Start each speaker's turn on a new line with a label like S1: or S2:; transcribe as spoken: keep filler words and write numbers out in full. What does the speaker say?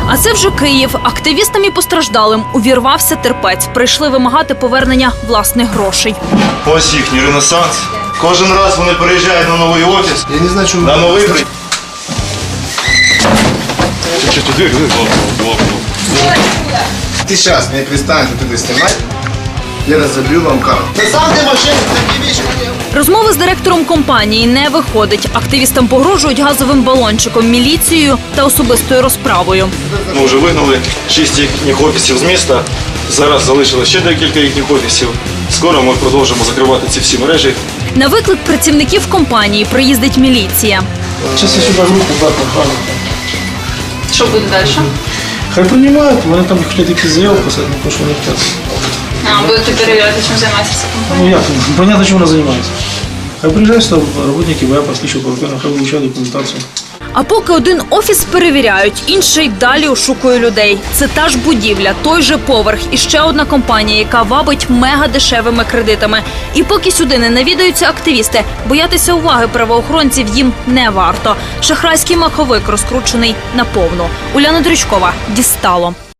S1: А це вже Київ. Активістам і постраждалим увірвався терпець. Прийшли вимагати повернення власних грошей.
S2: Ось їхній ренесанс. Кожен раз вони переїжджають на новий офіс.
S3: Я не знаю, чому...
S2: На новий при...
S3: Ты сейчас мне перестанешь вот это снимать, я разобью вам карту. Да сам ты машину, такие вещи.
S1: Розмови з директором компанії не виходить. Активістам погрожують газовим балончиком, міліцією та особистою розправою.
S2: Ми вже вигнали шість їхніх офісів з міста. Зараз залишилось ще декілька їхніх офісів. Скоро ми продовжимо закривати ці всі мережі.
S1: На виклик працівників компанії приїздить міліція.
S4: Зараз я сюди групу брати охрану.
S1: Що буде далі?
S4: Хай приймають, вони там хотять якісь заяви писати, тому що вони хочуть.
S1: А, будете перевіряти, чим займається ця компанія?
S4: Ну як, понятно, чим вона займається. Хай приїжджають сюди роботники ВЕПа, слідчого оперативного, хай вивчають документацію.
S1: А поки один офіс перевіряють, інший далі ошукує людей. Це та ж будівля, той же поверх і ще одна компанія, яка вабить мегадешевими кредитами. І поки сюди не навідаються активісти, боятися уваги правоохоронців їм не варто. Шахрайський маховик розкручений наповну. Уляна Дрючкова, Дістало.